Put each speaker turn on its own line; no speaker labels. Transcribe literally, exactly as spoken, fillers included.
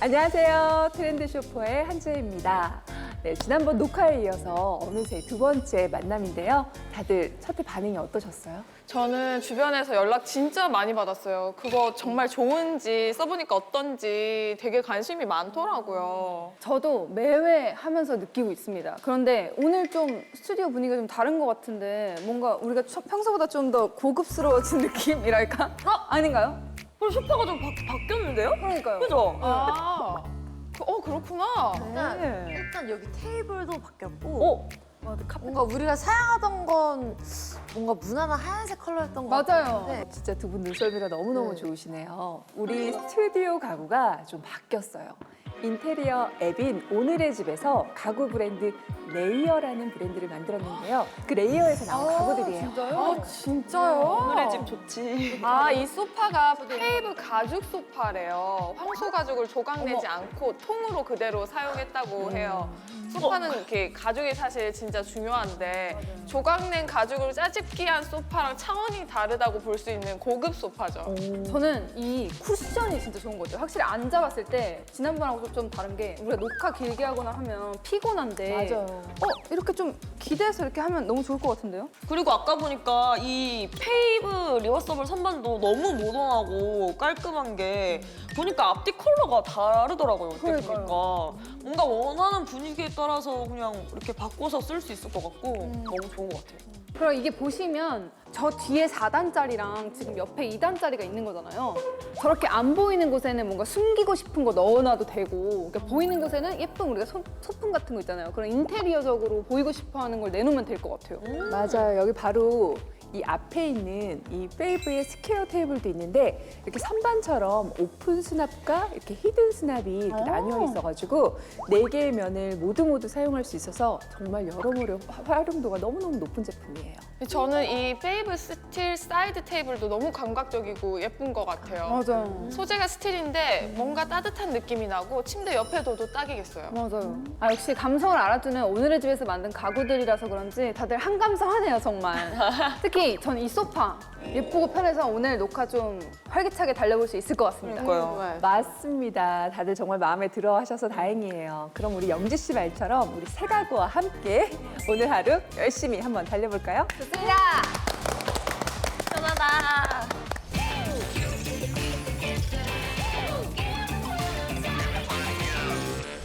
안녕하세요. 트렌드 쇼퍼의 한주혜입니다. 네, 지난번 녹화에 이어서 어느새 두 번째 만남인데요. 다들 첫 회 반응이 어떠셨어요?
저는 주변에서 연락 진짜 많이 받았어요. 그거 정말 좋은지 써보니까 어떤지 되게 관심이 많더라고요.
저도 매회 하면서 느끼고 있습니다. 그런데 오늘 좀 스튜디오 분위기가 좀 다른 것 같은데 뭔가 우리가 평소보다 좀 더 고급스러워진 느낌이랄까? 어? 아닌가요?
그럼 소파가 좀 바, 바뀌었는데요?
그러니까요.
그죠?
아, 그- 어 그렇구나.
일단,
네.
일단 여기 테이블도 바뀌었고
어?
뭔가 우리가 사용하던 건 뭔가 무난한 하얀색 컬러였던 것
맞아요.
같은데
진짜 두 분 눈썰미가 너무너무
네.
좋으시네요. 우리 스튜디오 가구가 좀 바뀌었어요. 인테리어 앱인 오늘의 집에서 가구 브랜드 레이어라는 브랜드를 만들었는데요. 그 레이어에서 나온 가구들이에요.
진짜요?
아 진짜요?
오늘의 집 좋지.
아, 이 소파가 페이브 가죽 소파래요. 황소 가죽을 조각내지 않고 통으로 그대로 사용했다고 해요. 소파는 이렇게 가죽이 사실 진짜 중요한데 조각낸 가죽으로 짜집기한 소파랑 차원이 다르다고 볼 수 있는 고급 소파죠.
저는 이 쿠션이 진짜 좋은 거죠. 확실히 앉아봤을 때 지난번하고 좀 다른 게 우리가 녹화 길게 하거나 하면 피곤한데
맞아요.
어? 이렇게 좀 기대해서 이렇게 하면 너무 좋을 것 같은데요?
그리고 아까 보니까 이 페이브 리버서블 선반도 너무 모던하고 깔끔한 게 보니까 앞뒤 컬러가 다르더라고요. 그때
그러니까요.
보니까. 뭔가 원하는 분위기에 따라서 그냥 이렇게 바꿔서 쓸 수 있을 것 같고 너무 좋은 것 같아요.
그럼 이게 보시면 저 뒤에 사 단짜리랑 지금 옆에 이 단짜리가 있는 거잖아요. 저렇게 안 보이는 곳에는 뭔가 숨기고 싶은 거 넣어놔도 되고 그러니까 보이는 곳에는 예쁜 우리가 소, 소품 같은 거 있잖아요. 그런 인테리어적으로 보이고 싶어 하는 걸 내놓으면 될 것 같아요.
맞아요. 여기 바로 이 앞에 있는 이 페이브의 스퀘어 테이블도 있는데 이렇게 선반처럼 오픈 수납과 이렇게 히든 수납이 이렇게 나뉘어 있어가지고 네 개의 면을 모두 모두 사용할 수 있어서 정말 여러모로 화- 활용도가 너무너무 높은 제품이에요.
저는 이 페이브 스틸 사이드 테이블도 너무 감각적이고 예쁜 것 같아요.
맞아요.
소재가 스틸인데 뭔가 따뜻한 느낌이 나고 침대 옆에 둬도 딱이겠어요.
맞아요. 아, 역시 감성을 알아주는 오늘의 집에서 만든 가구들이라서 그런지 다들 한감성하네요, 정말. 특히 전 이 소파 예쁘고 편해서 오늘 녹화 좀 활기차게 달려볼 수 있을 것 같습니다.
그러니까요.
맞습니다. 다들 정말 마음에 들어 하셔서 다행이에요. 그럼 우리 영지 씨 말처럼 우리 새 가구와 함께 오늘 하루 열심히 한번 달려볼까요?
좋습니다.
편하다.